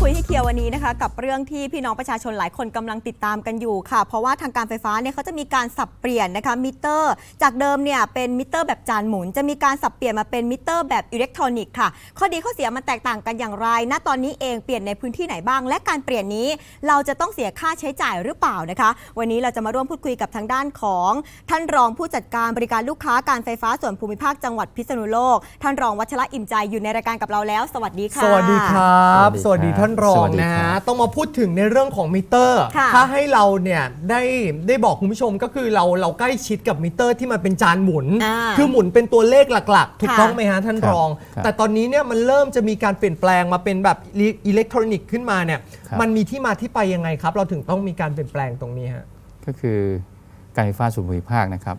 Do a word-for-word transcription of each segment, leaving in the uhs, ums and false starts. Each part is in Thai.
คุยให้เคลียร์วันนี้นะคะกับเรื่องที่พี่น้องประชาชนหลายคนกำลังติดตามกันอยู่ค่ะเพราะว่าทางการไฟฟ้าเนี่ยเขาจะมีการสับเปลี่ยนนะคะมิเตอร์จากเดิมเนี่ยเป็นมิเตอร์แบบจานหมุนจะมีการสับเปลี่ยนมาเป็นมิเตอร์แบบอิเล็กทรอนิกส์ค่ะข้อดีข้อเสียมันแตกต่างกันอย่างไรณตอนนี้เองเปลี่ยนในพื้นที่ไหนบ้างและการเปลี่ยนนี้เราจะต้องเสียค่าใช้จ่ายหรือเปล่านะคะวันนี้เราจะมาร่วมพูดคุยกับทางด้านของท่านรองผู้จัดการบริการลูกค้าการไฟฟ้าส่วนภูมิภาคจังหวัดพิษณุโลกท่านรองวัชระอิ่มใจอยู่ในรายการกับเราแล้วสวัสดีค่ะสวัสดีครับสวัสดีท่านรองนะฮะต้องมาพูดถึงในเรื่องของมิเตอร์ถ้าให้เราเนี่ยได้ได้บอกคุณผู้ชมก็คือเราเราใกล้ชิดกับมิเตอร์ที่มันเป็นจานหมุนคือหมุนเป็นตัวเลขหลักๆถูกต้องไหมฮะท่านรองแต่ตอนนี้เนี่ยมันเริ่มจะมีการเปลี่ยนแปลงมาเป็นแบบอิเล็กทรอนิกส์ขึ้นมาเนี่ยมันมีที่มาที่ไปยังไงครับเราถึงต้องมีการเปลี่ยนแปลงตรงนี้ฮะก็คือการไฟฟ้าส่วนภูมิภาคนะครับ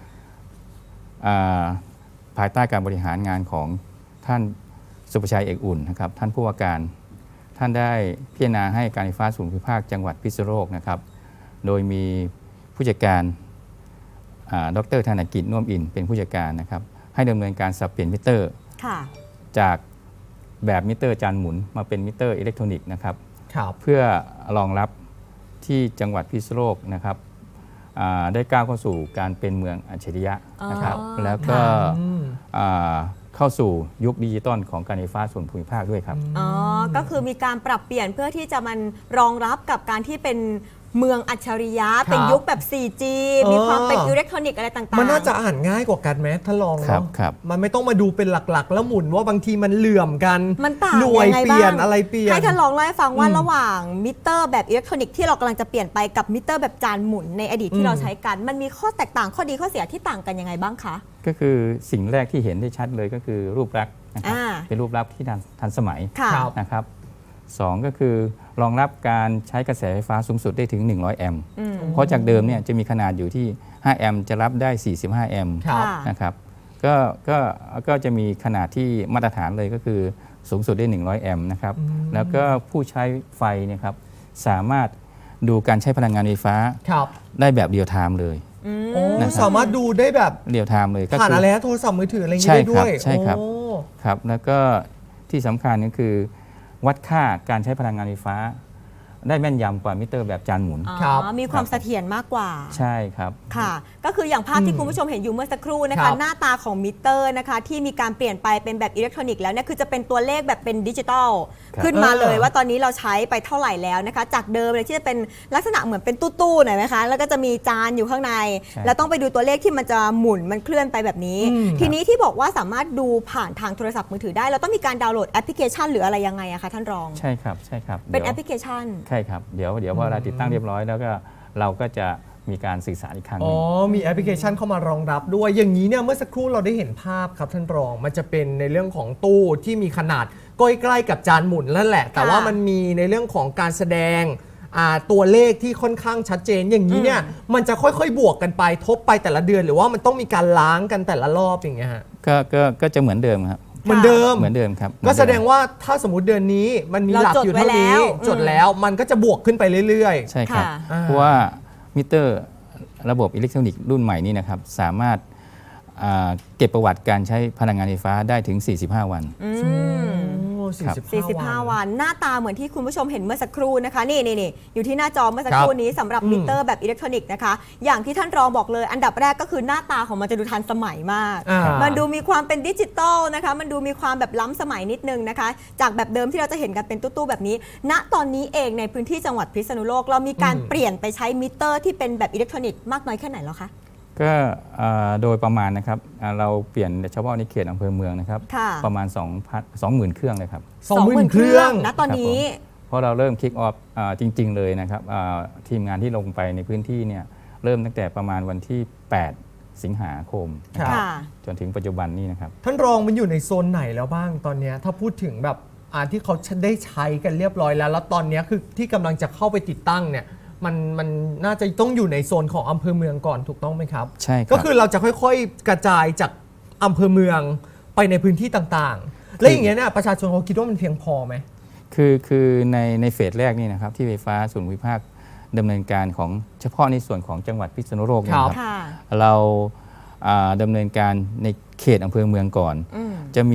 ภายใต้การบริหารงานของท่านสุประชัยเอกอุ่นนะครับท่านผู้ว่าการท่านได้พิจารณาให้การไฟฟ้าส่วนภูมิภาคจังหวัดพิษณุโลกนะครับโดยมีผู้จัดการดร.ธนกิจน่วมอินเป็นผู้จัดการนะครับให้ดำเนินการสับเปลี่ยนมิเตอร์จากแบบมิเตอร์จานหมุนมาเป็นมิเตอร์อิเล็กทรอนิกส์นะครับเพื่อรองรับที่จังหวัดพิษณุโลกนะครับได้ก้าวเข้าสู่การเป็นเมืองอัจฉริยะนะครับแล้วก็เข้าสู่ยุคดิจิตอลของการไฟฟ้าส่วนภูมิภาคด้วยครับอ๋อก็คือมีการปรับเปลี่ยนเพื่อที่จะมันรองรับกับการที่เป็นเมืองอัจฉริยะเป็นยุคแบบ โฟร์จี มีความเป็นอิเล็กทรอนิกส์อะไรต่างๆมันน่าจะอ่านง่ายกว่ากันไหมถ้าลองเนาะมันไม่ต้องมาดูเป็นหลักๆแล้วหมุนว่าบางทีมันเหลื่อมกันมันต่างหน่วยเปลี่ยนอะไรเปลี่ยนให้ท่านลองเล่าให้ฟังว่าระหว่างมิเตอร์แบบอิเล็กทรอนิกส์ที่เรากำลังจะเปลี่ยนไปกับมิเตอร์แบบจานหมุนในอดีตที่เราใช้กันมันมีข้อแตกต่างข้อดีข้อเสียที่ต่างกันยังไงบ้างคะก็คือสิ่งแรกที่เห็นได้ชัดเลยก็คือรูปลักษณ์นะครับเป็นรูปลักษณ์ที่ทันสมัยนะครับสองก็คือรองรับการใช้กระแสไฟฟ้าสูงสุดได้ถึงหนึ่งร้อยแอมป์เพราะจากเดิมเนี่ยจะมีขนาดอยู่ที่ห้าแอมป์จะรับได้สี่สิบห้าแอมป์นะครับก็ก็ก็จะมีขนาดที่มาตรฐานเลยก็คือสูงสุดได้หนึ่งร้อยแอมป์นะครับแล้วก็ผู้ใช้ไฟเนี่ยครับสามารถดูการใช้พลังงานไฟฟ้าได้แบบเรียลไทม์เลยสามารถดูได้แบบเรียลไทม์เลยก็ผ่านอะไรโทรศัพท์มือถืออะไรอย่างนี้ได้ด้วยใช่ครับครับแล้วก็ที่สำคัญก็คือวัดค่าการใช้พลังงานไฟฟ้าได้แม่นยำกว่ามิเตอร์แบบจานหมุนมีความเสถียรมากกว่าใช่ครับค่ะก็คืออย่างภาพที่คุณผู้ชมเห็นอยู่เมื่อสักครู่นะคะหน้าตาของมิเตอร์นะคะที่มีการเปลี่ยนไปเป็นแบบอิเล็กทรอนิกส์แล้วเนี่ยคือจะเป็นตัวเลขแบบเป็นดิจิตอลขึ้นมาเลยว่าตอนนี้เราใช้ไปเท่าไหร่แล้วนะคะจากเดิมเลยที่จะเป็นลักษณะเหมือนเป็นตู้ๆหน่อยไหมคะแล้วก็จะมีจานอยู่ข้างในแล้วต้องไปดูตัวเลขที่มันจะหมุนมันเคลื่อนไปแบบนี้ทีนี้ที่บอกว่าสามารถดูผ่านทางโทรศัพท์มือถือได้เราต้องมีการดาวน์โหลดแอปพลิเคชันหรืออะไรยังไงอะคะท่านรองใช่ครับใช่ครับเป็นแอปพลิเคชันใช่ครับเดี๋ยวเดี๋ยวพอเราติดตั้งเรียบร้อยแล้วก็เราก็จะมีการสื่อสารอีกครั้งนึงอ๋อมีแอปพลิเคชันเข้ามารองรับด้วยอย่างนี้เนี่ยเมื่อสักครู่เราได้เห็นภาพครับท่านรองมันจะเป็นในเรื่องของตู้ที่มีขนาดใกล้ๆกับจานหมุนนั่นแหละแต่ว่ามันมีในเรื่องของการแสดงตัวเลขที่ค่อนข้างชัดเจนอย่างนี้เนี่ยมันจะค่อยๆบวกกันไปทบไปแต่ละเดือนหรือว่ามันต้องมีการล้างกันแต่ละรอบอย่างเงี้ยฮะก็ก็ก็จะเหมือนเดิมครับเหมือนเดิมเหมือนเดิมครับก็แสดงว่าถ้าสมมติเดือนนี้มันมีหลักอยู่เท่านี้จดแล้วมันก็จะบวกขึ้นไปเรื่อยๆใช่ครับเพราะว่ามิเตอร์ระบบอิเล็กทรอนิกส์รุ่นใหม่นี้นะครับสามารถเก็บประวัติการใช้พลังงานไฟฟ้าได้ถึงสี่สิบห้าวันสี่สิบห้าวันหน้าตาเหมือนที่คุณผู้ชมเห็นเมื่อสักครู่นะคะนี่นี่อยู่ที่หน้าจอเมื่อสักครู่นี้สำหรับมิเตอร์แบบอิเล็กทรอนิกส์นะคะอย่างที่ท่านรองบอกเลยอันดับแรกก็คือหน้าตาของมันจะดูทันสมัยมากมันดูมีความเป็นดิจิตอลนะคะมันดูมีความแบบล้ำสมัยนิดนึงนะคะจากแบบเดิมที่เราจะเห็นกันเป็นตู้ๆแบบนี้ณตอนนี้เองในพื้นที่จังหวัดพิษณุโลกเรามีการเปลี่ยนไปใช้มิเตอร์ที่เป็นแบบอิเล็กทรอนิกส์มากน้อยแค่ไหนแล้วคะก็โดยประมาณนะครับเราเปลี่ยนเฉพาะในเขตอำเภอเมืองนะครับประมาณ สองหมื่น เครื่องเลยครับสองหมื่น เครื่องนะตอนนี้เพราะเราเริ่มคิกออฟจริงๆเลยนะครับทีมงานที่ลงไปในพื้นที่เนี่ยเริ่มตั้งแต่ประมาณวันที่แปดสิงหาคมจนถึงปัจจุบันนี้นะครับท่านรองมันอยู่ในโซนไหนแล้วบ้างตอนนี้ถ้าพูดถึงแบบที่เขาได้ใช้กันเรียบร้อยแล้วแล้วตอนนี้คือที่กำลังจะเข้าไปติดตั้งเนี่ยมันมันน่าจะต้องอยู่ในโซนของอำเภอเมืองก่อนถูกต้องไหมครับใช่ก็คือเราจะค่อยๆกระจายจากอำเภอเมืองไปในพื้นที่ต่างๆและอย่างเงี้ยเนี่ยประชาชนเขาคิดว่ามันเพียงพอไหมคือคือในในเฟสแรกนี่นะครับที่ไฟฟ้าส่วนภูมิภาคดำเนินการของเฉพาะในส่วนของจังหวัดพิษณุโลกนะครับเราดำเนินการในเขตอำเภอเมืองก่อนจะมี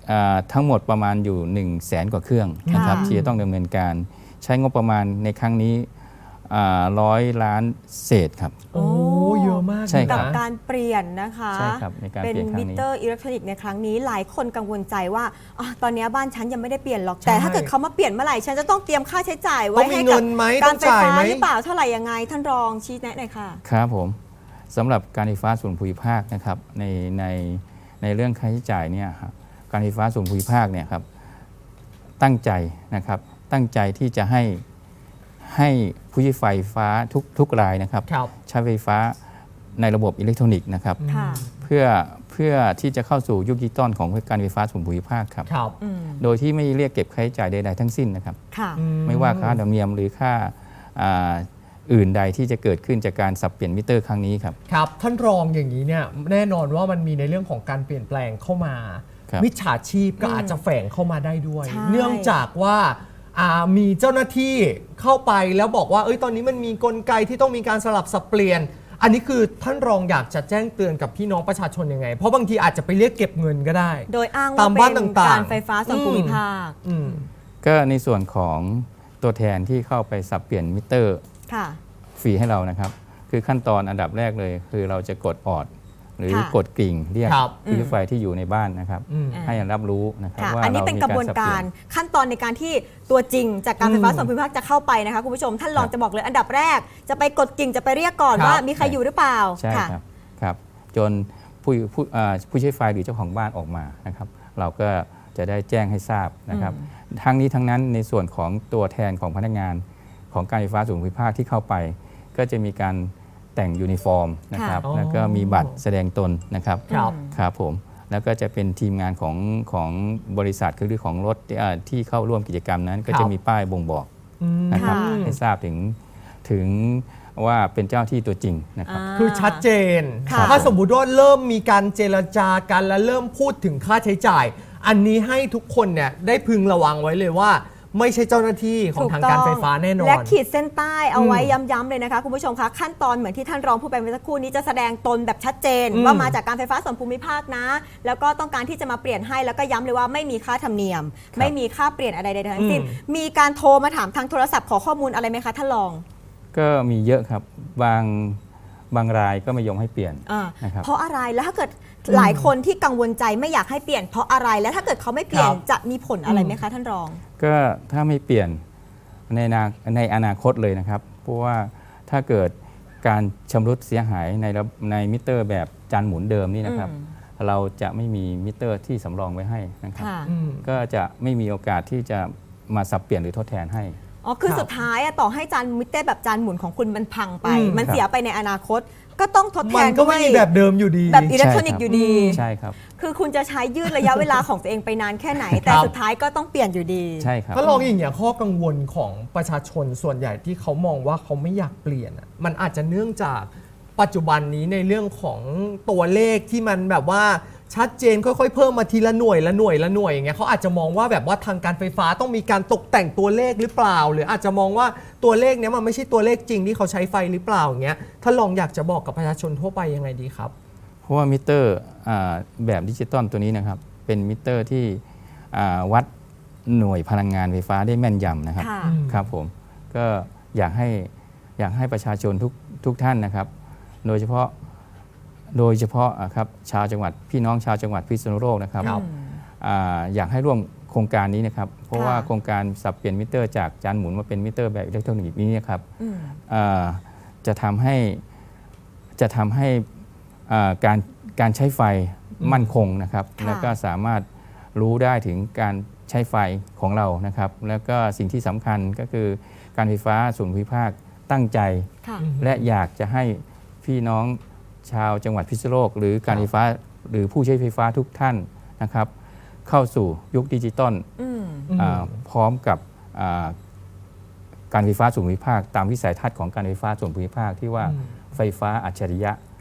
อ่าทั้งหมดประมาณอยู่1นึ่งแสนกว่าเครื่องนะครับค่ะที่จะต้องดำเนินการใช้งบประมาณในครั้งนี้ร้อยล้านเศษครับโอ้เยอะมากใช่ครักับ บการเปลี่ยนนะคะใช่ครับในการเป็นเปลี่ยนครั้มิงนี้เตอร์อิเล็กทรอนิกส์ในครั้งนี้หลายคนกังวลใจว่าอะตอนนี้บ้านฉันยังไม่ได้เปลี่ยนหรอกแต่ถ้าเกิดเขามาเปลี่ยนเมื่อไหร่ฉันจะต้องเตรียมค่าใช้จ่ายต้ไว้องมีให้เงิกับนไหมกาต้อรง ไฟจ่ายฟ้าไหมหรือเปล่าเท่าไหร่ยังไงท่านรองชี้แนะหน่อยค่ะครับผมสำหรับการไฟฟ้าส่วนภูมิภาคนะครับในในในเรื่องค่าใช้จ่ายเนี่ยครับการไฟฟ้าส่วนภูมิภาคเนี่ยครับตั้งใจนะครับตั้งใจที่จะให้ให้ผู้ใช้ไฟฟ้าทุกทุกรายนะครับครับใช้ไฟฟ้าในระบบอิเล็กทรอนิกส์นะครับค่ะเพื่อเพื่อที่จะเข้าสู่ยุคดิจิตอลของการไฟฟ้าส่วนภูมิภาคครับครับอืมโดยที่ไม่เรียกเก็บค่าใช้จ่ายใดๆทั้งสิ้นนะครับค่ะไม่ว่าค่าธรรมเนียมหรือค่าอ่าอื่นใดที่จะเกิดขึ้นจากการสับเปลี่ยนมิเตอร์ครั้งนี้ครับครับท่านรองอย่างนี้เนี่ยแน่นอนว่ามันมีในเรื่องของการเปลี่ยนแปลงเข้ามาครับมิจฉาชีพก็อืมอาจจะแฝงเข้ามาได้ด้วยใช่เนื่องจากว่าอ่ามีเจ้าหน้าที่เข้าไปแล้วบอกว่าเอ้ยตอนนี้มันมีกลไกที่ต้องมีการสลับสับเปลี่ยน อันนี้คือท่านรองอยากจะแจ้งเตือนกับพี่น้องประชาชนยังไง เพราะบางทีอาจจะไปเรียกเก็บเงินก็ได้โดยอ้างตาว่ามบ้านเป็นต่างๆการไฟฟ้าส่วนภูมิภาคอืมก็ในส่วนของตัวแทนที่เข้าไปสับเปลี่ยนมิเตอร์ค่ะฟรีให้เรานะครับ คือขั้นตอนอันดับแรกเลย คือเราจะกดออดหรือค่ะกดกริ่งเรียกครับผู้ใช้ไฟที่อยู่ในบ้านนะครับอืมให้รับรู้นะครับค่ะว่าอันนี้เราเป็นมีกระบวนสัการเปลี่ยนขั้นตอนในการที่ตัวจริงจากการไฟฟ้าอืมส่วนภูมิภาคจะเข้าไปนะคะคุณผู้ชมท่านรองครับจะบอกเลยอันดับแรก จะไปกดกิ่งจะไปเรียกก่อนครับว่ามีใครอยู่หรือเปล่าใช่ค่ะครับครับ จนผู้ผู้อ่าผู้ใช้ไฟหรือเจ้าของบ้านออกมานะครับ เราก็จะได้แจ้งให้ทราบนะครับ ทั้งนี้ทั้งนั้นในส่วนของตัวแทนของพนักงานของการไฟฟ้าส่วนภูมิภาคที่เข้าไป ก็จะมีการแต่งยูนิฟอร์มนะครับค่ะแล้วก็มีบัตรแสดงตนนะครับครับครับผมแล้วก็จะเป็นทีมงานของของบริษัทคือของรถที่อ่าที่เข้าร่วมกิจกรรมนั้น ก็ครัจะบมีป้ายบ่งบอกอืมนะครับค่ะให้ทราบถึงถึงว่าเป็นเจ้าที่ตัวจริงนะครับอ่าคือชัดเจนค่ะถ้าสมมุติว่าเริ่มมีการเจรจากันและเริ่มพูดถึงค่าใช้จ่าย อันนี้ให้ทุกคนเนี่ยได้พึงระวังไว้เลยว่า ไม่ใช่เจ้าหน้าที่ของทางการไฟฟ้าแน่นอนและขีดเส้นใต้เอาไว้อืมย้ำๆเลยนะคะคุณผู้ชมคะขั้นตอนเหมือนที่ท่านรองพูดไปเมื่อสักครู่นี้จะแสดงตนแบบชัดเจนอืมว่ามาจากการไฟฟ้าส่วนภูมิภาคนะ แล้วก็ต้องการที่จะมาเปลี่ยนให้แล้วก็ย้ำเลยว่าไม่มีค่าธรรมเนียม ไม่มีค่าเปลี่ยนอะไรใดๆทั้งสิ้นอืมมีการโทรมาถามทางโทรศัพท์ขอข้อมูลอะไรไหมคะท่านรองก็มีเยอะครับบางบางรายก็ไม่ยอมให้เปลี่ยนอ่านะครับเพราะอะไรแล้วถ้าเกิดหลายคนที่กังวลใจไม่อยากให้เปลี่ยนเพราะอะไรแล้วถ้าเกิดเขาไม่เปลี่ยนครับจะมีผลอะไรไหมคะท่านรองก็ถ้าไม่เปลี่ยนในอนาในอนาคตเลยนะครับ เพราะว่าถ้าเกิดการชำรุดเสียหายในระในมิเตอร์แบบจานหมุนเดิมนี่นะครับอืมเราจะไม่มีมิเตอร์ที่สำรองไว้ให้นะครับค่ะอืมก็จะไม่มีโอกาสที่จะมาสับเปลี่ยนหรือทดแทนให้อ๋อ คือครับสุดท้ายอะต่อให้จานมิเตอร์แบบจานหมุนของคุณมันพังไปอืมมันเสียไปในอนาคต ก็ต้องทดแทมันนก็ด้วไม่ยมีแบบเดิมอยู่ดีแบบอิเล็กทรอนิกส์ใช่ครับอยู่ดีใช่ครับคือคุณจะใช้ยืดระยะเวลาของตัวเองไปนานแค่ไหน แต่ครับสุดท้ายก็ต้องเปลี่ยนอยู่ดีใช่ครับถ้าลองอย่างเงี้ยข้อกังวลของประชาชนส่วนใหญ่ที่เขามองว่าเขาไม่อยากเปลี่ยนอะมันอาจจะเนื่องจากปัจจุบันนี้ในเรื่องของตัวเลขที่มันแบบว่าชัดเจนค่อยๆเพิ่มมาทีละหน่วยละหน่วยละหน่วยอย่างเงี้ยเขาอาจจะมองว่าแบบว่าทางการไฟฟ้าต้องมีการตกแต่งตัวเลขหรือเปล่า หรืออาจจะมองว่าตัวเลขเนี้ยมันไม่ใช่ตัวเลขจริงที่เขาใช้ไฟหรือเปล่าอย่างเงี้ยถ้าลองอยากจะบอกกับประชาชนทั่วไปยังไงดีครับเพราะว่ามิเตอร์อ่าแบบดิจิตอลตัวนี้นะครับ เป็นมิเตอร์ที่อ่าวัดหน่วยพลังงานไฟฟ้าได้แม่นยำนะครับค่ะอืมครับผมก็อยากให้อยากให้ประชาชนทุกทุกท่านนะครับ โดยเฉพาะโดยเฉพาะอ่ะครับชาวจังหวัดพี่น้องชาวจังหวัดพิษณุโลกนะครับครับอ่าอยากให้ร่วมโครงการนี้นะครับ เพราะค่ะว่าโครงการสับเปลี่ยนมิเตอร์จากจานหมุนมาเป็นมิเตอร์แบบอิเล็กทรอนิกส์นี้นะครับอืมอ่าจะทำให้จะทำให้อ่าการการใช้ไฟมั่นคงนะครับค่ะแล้วก็สามารถรู้ได้ถึงการใช้ไฟของเรานะครับ แล้วก็สิ่งที่สำคัญก็คือการไฟฟ้าส่วนภูมิภาคตั้งใจค่ะและอยากจะให้พี่น้องชาวจังหวัดพิษณุโลก หรือการไฟฟ้าหรือผู้ใช้ไฟฟ้าทุกท่านนะครับ เข้าสู่ยุคดิจิตอลอืมอ่าพร้อมกับอ่าการไฟฟ้าส่วนภูมิภาค ตามวิสัยทัศน์ของการไฟฟ้าส่วนภูมิภาคที่ว่าอืมไฟฟ้าอัจฉริยะ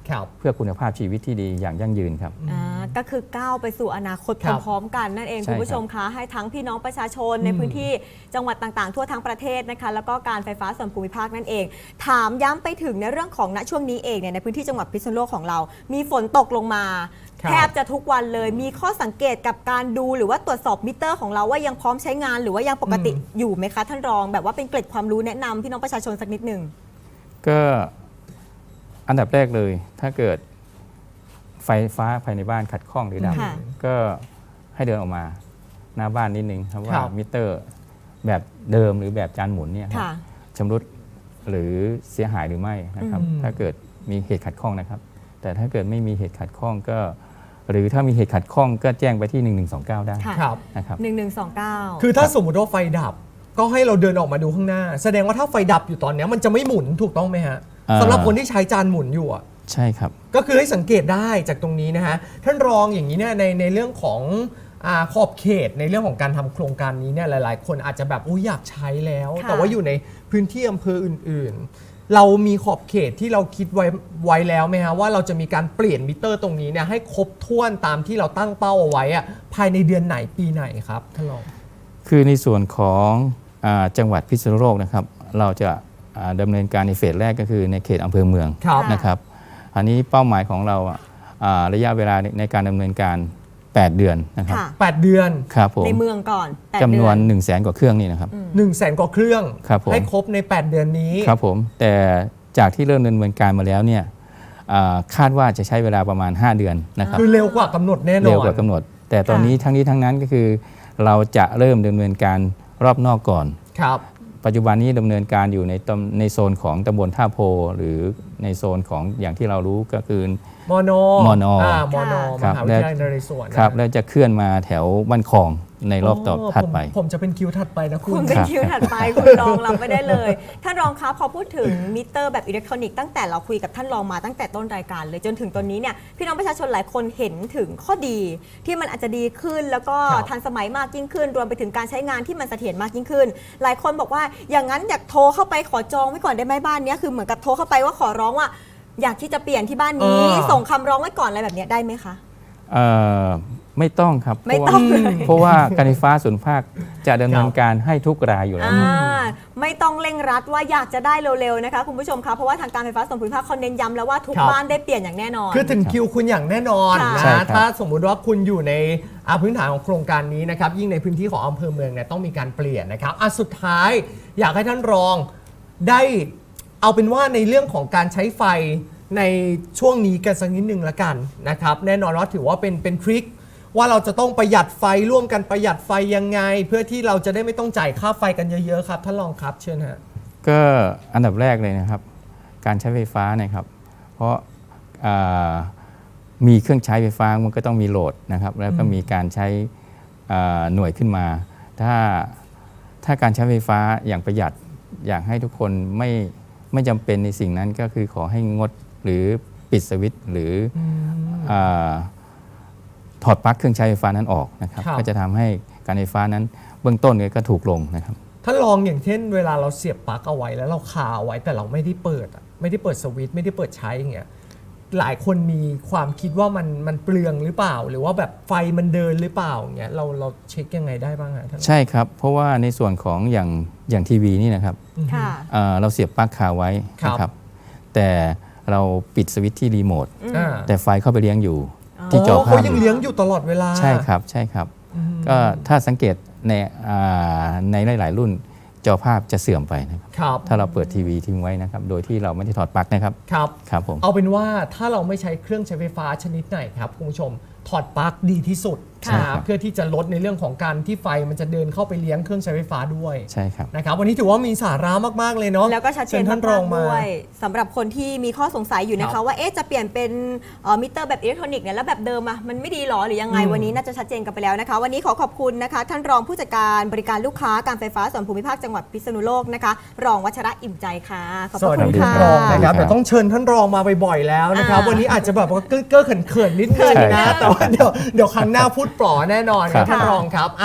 ครับเพื่อคุณภาพชีวิตที่ดีอย่างยั่งยืนครับอ่าก็คือก้าวไปสู่อนาคตครับพร้อมๆกันนั่นเองใช่คุณผู้ชมครับคะให้ทั้งพี่น้องประชาชนในพื้นที่จังหวัดต่างๆ ทั่วทั้งประเทศนะคะแล้วก็การไฟฟ้าส่วนภูมิภาคนั่นเอง ถามย้ำไปถึงในเรื่องของณช่วงนี้เองเนี่ยในพื้นที่จังหวัดพิษณุโลกของเรา มีฝนตกลงมาครับแทบจะทุกวันเลยมีข้อสังเกตกับการดูหรือว่าตรวจสอบมิเตอร์ของเราว่ายังพร้อมใช้งานหรือว่ายังปกติอยู่ไหมคะท่านรองแบบว่าเป็นเกร็ดความรู้แนะนำพี่น้องประชาชนสักนิดหนึ่งก็อันดับแรกเลยถ้าเกิดไฟฟ้าภายในบ้านขัดข้องหรือดับค่ะก็ให้เดินออกมาหน้าบ้านนิดนึงครับว่าครับมิเตอร์แบบเดิมหรือแบบจานหมุนเนี่ยครับค่ะชำรุดหรือเสียหายหรือไม่นะครับอืมถ้าเกิดมีเหตุขัดข้องนะครับ แต่ถ้าเกิดไม่มีเหตุขัดข้องก็ หรือถ้ามีเหตุขัดข้องก็แจ้งไปที่หนึ่งหนึ่งสองเก้าได้ค่ะครับนะครับหนึ่งหนึ่งสองเก้าคือถ้าสมมติว่าไฟดับ ก็ให้เราเดินออกมาดูข้างหน้า แสดงว่าถ้าไฟดับอยู่ตอนเนี้ยมันจะไม่หมุนถูกต้องไหมฮะอ่าสำหรับคนที่ใช้จานหมุนอยู่อะใช่ครับก็คือให้สังเกตได้จากตรงนี้นะฮะท่านรองอย่างนี้เนี่ยในในเรื่องของอาขอบเขตในเรื่องของการทำโครงการนี้เนี่ยหลาย ๆ คนอาจจะแบบอยอยากใช้แล้วค่ะแต่ว่าอยู่ในพื้นที่อำเภออื่น ๆ เรามีขอบเขตที่เราคิดไว้ไว้แล้วไหมฮะว่าเราจะมีการเปลี่ยนมิเตอร์ตรงนี้เนี่ยให้ครบถ้วนตามที่เราตั้งเป้าเอาไว้อะภายในเดือนไหนปีไหนครับท่านรองคือในส่วนของอาจังหวัดพิษณุโลกนะครับ เราจะอ่าดำเนินการในเฟสแรกก็คือในเขตอำเภอเมืองครับนะครับ อันนี้เป้าหมายของเราอ่ะอ่าระยะเวลาในการดำเนินการ แปด เดือนนะครับค่ะแปด เดือนครับผมในเมืองก่อนแปดจำนวนเดือ 1นึ่งแสนกว่าเครื่องนี่นะครับหนึ่งแสนกว่าเครื่องครับผมให้ครบใน แปด เดือนนี้ครับผมแต่จากที่เริ่มดำเนินการมาแล้วเนี่ยอ่าคาดว่าจะใช้เวลาประมาณ ห้า เดือนนะครับคือเร็วกว่ากำหนดแน่นอนเร็วกว่ากำหนด แต่ตอนนี้ทั้งนี้ทั้งนั้นก็คือ เราจะเริ่มดำเนินการรอบนอกก่อนครับปัจจุบันนี้ดำเนินการอยู่ในตำในโซนของตำบลท่าโพ หรือในโซนของอย่างที่เรารู้ก็คือมอนอมอนออ่ามอนอมครับหาวิทยาลัยนเรศวรครับแล้วจะเคลื่อนมาแถวบ้านคลองในรอบต่อถัดไปผมผมจะเป็นคิวถัดไปนะคุคุณ ณเป็นคิวถัดไปคุณรองรับไม่ได้เลยท่านรองคะพอพูดถึงมิเตอร์แบบอิเล็กทรอนิกส์ตั้งแต่เราคุยกับท่านรองมาตั้งแต่ต้นรายการเลยจนถึงตอนนี้เนี่ยพี่น้องประชาชนหลายคนเห็นถึงข้อดี ที่มันอาจจะดีขึ้นแล้วก็ครับทันสมัยมากยิ่งขึ้น รวมไปถึงการใช้งานที่มันเสถียรมากยิ่งขึ้น หลายคนบอกว่าอย่างนั้นอยากโทรเข้าไปขอจองไว้ก่อนได้ไหมบ้านเนี้ยคือเหมือนกับโทรเข้าไปว่าขอร้องว่า อยากที่จะเปลี่ยนที่บ้านนี้เออส่งคำร้องไว้ก่อนอะไรแบบเนี้ยได้ไหมคะเอ่อไม่ต้องครับไม่ต้องเพราะว่าเลยเพราะว่าการไฟฟ้าส่วนภาคจะดำเนินการให้ทุกรายอยู่แล้วอ่าไม่ต้องเร่งรัดว่าอยากจะได้เร็วๆนะคะคุณผู้ชมคะเพราะว่าทางการไฟฟ้าส่วนภูมิภาคเขาเน้นย้ำแล้วว่าทุกครับบ้านได้เปลี่ยนอย่างแน่นอนคือถึงคิวคุณอย่างแน่นอนค่ะนะใช่ครับถ้าสมมุติว่าคุณอยู่ในอ่าพื้นฐานของโครงการนี้นะครับยิ่งในพื้นที่ของอำเภอเมืองเนี่ยต้องมีการเปลี่ยนนะครับอ่ะสุดท้ายอยากให้ท่านรองได้เอาเป็นว่าในเรื่องของการใช้ไฟในช่วงนี้กันสักนิดนึงละกันนะครับแน่นอนว่าถือว่าเป็นเป็นทริคว่าเราจะต้องประหยัดไฟร่วมกันประหยัดไฟยังไง เพื่อที่เราจะได้ไม่ต้องจ่ายค่าไฟกันเยอะๆครับท่านรองครับเชิญฮะก็อันดับแรกเลยนะครับ การใช้ไฟฟ้านะครับ เพราะอ่ามีเครื่องใช้ไฟฟ้ามันก็ต้องมีโหลดนะครับ แล้วก็มีการใช้อ่าหน่วยขึ้นมา ถ้าถ้าการใช้ไฟฟ้าอย่างประหยัดอยากให้ทุกคนไม่ไม่จำเป็นในสิ่งนั้นก็คือขอให้งดหรือปิดสวิตช์หรือออาถอดปลั๊กเครื่องใช้ไฟฟ้านั้นออกนะครับครับก็จะทำให้การไฟฟ้านั้นเบื้องต้นเนี่ยก็ถูกลงนะครับท่านลองอย่างเช่นเวลาเราเสียบปลั๊กเอาไว้แล้วเราคาเอาไว้แต่เราไม่ได้เปิดอะไม่ได้เปิดสวิตช์ไม่ได้เปิดใช้อย่างเงี้ยหลายคนมีความคิดว่ามันมันเปลืองหรือเปล่า หรือว่าแบบไฟมันเดินหรือเปล่าอย่างเงี้ยเราเราเช็คยังไงได้บ้างฮะท่านใช่ครับ เพราะว่าในส่วนของอย่างอย่างทีวีนี่นะครับค่ะเอ่อเราเสียบปลั๊กคาไว้ครับนะครับ แต่เราปิดสวิตช์ที่รีโมทอ่าแต่ไฟเข้าไปเลี้ยงอยู่อ๋อที่จออ๋อภาเขาพยังเลี้ยงอยู่ตลอดเวลาใช่ครับใช่ครับ ก็ถ้าสังเกตในอ่าในหลาย ๆ รุ่นจอภาพจะเสื่อมไปนะครับครับถ้าเราเปิดทีวีทิ้งไว้นะครับ โดยที่เราไม่ได้ถอดปลั๊กนะครับครับครับผมเอาเป็นว่าถ้าเราไม่ใช้เครื่องใช้ไฟฟ้าชนิดไหนครับคุณผู้ชมถอดปลั๊กดีที่สุดค่ะนะครับเพื่อที่จะลดในเรื่องของการที่ไฟมันจะเดินเข้าไปเลี้ยงเครื่องใช้ไฟฟ้าด้วยใช่ครับนะครับวันนี้ถือว่ามีสาระมากๆเลยเนาะแล้วก็ชัดเจนญท่านรองมากๆมาด้วยสำหรับคนที่มีข้อสงสัยอยู่นะครัคะบว่าเอ๊ะจะเปลี่ยนเป็นเอ่อมิเตอร์แบบอิเล็กทรอนิกส์เนี่ยแล้วแบบเดิมอะมันไม่ดีหรอหรือยังไงอืมวันนี้น่าจะชัดเจนกันไปแล้วนะคะ วันนี้ขอขอบคุณนะคะ ท่านรองผู้จัดการบริการลูกค้าการไฟฟ้าส่วนภูมิภาคจังหวัดพิษณุโลกนะคะรองวัชระอิ่มใจค่ะขอบพสระวัสคุดีณท่าค่ะนรองนะครับครับเดี๋ยวต้องเชิญท่านรองมาบ่อยๆแล้วนะครับอ่าวันนี้อาจจะแบบว่าเก้อๆเขินๆนิดนึงเขินนะนะแต่ว่าเดี๋ยวเดี๋ยวครั้งหน้าพูดปลอแน่นอนครับครับท่านรองครับ